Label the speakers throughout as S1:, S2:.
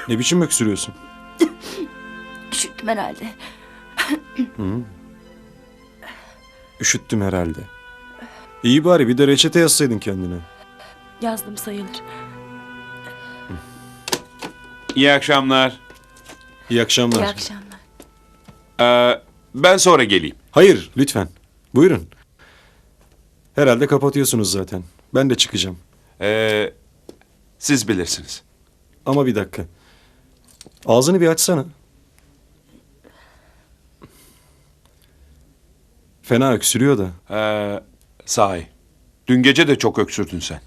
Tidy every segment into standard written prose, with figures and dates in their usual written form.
S1: Ne biçim öksürüyorsun?
S2: Üşüttüm herhalde.
S1: Üşüttüm herhalde. İyi bari bir de reçete yazsaydın kendine.
S2: Yazdım sayılır.
S3: İyi akşamlar.
S1: İyi akşamlar.
S2: İyi akşamlar.
S3: Ben sonra geleyim.
S1: Hayır, lütfen. Buyurun. Herhalde kapatıyorsunuz zaten. Ben de çıkacağım.
S3: Siz bilirsiniz.
S1: Ama bir dakika. Ağzını bir açsana. Fena öksürüyor da.
S3: Sahi. Dün gece de çok öksürdün sen.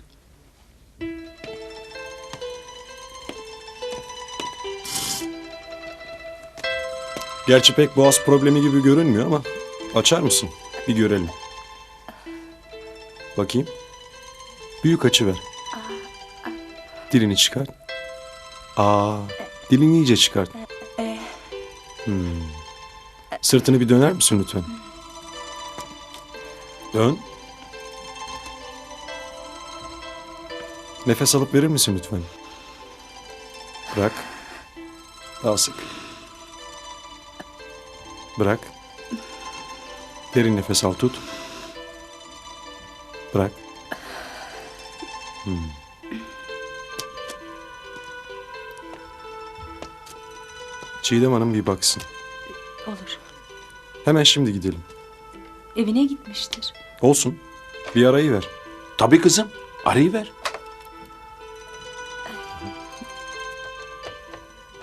S1: Gerçi pek boğaz problemi gibi görünmüyor ama açar mısın? Bir görelim. Bakayım. Büyük açıver. Dilini çıkart. Dilini iyice çıkart. Sırtını bir döner misin lütfen? Dön. Nefes alıp verir misin lütfen? Bırak. Daha sık. Bırak. Derin nefes al, tut. Bırak. Çiğdem Hanım bir baksın.
S2: Olur.
S1: Hemen şimdi gidelim.
S2: Evine gitmiştir.
S1: Olsun. Bir arayı ver.
S3: Tabii kızım. Arayıver.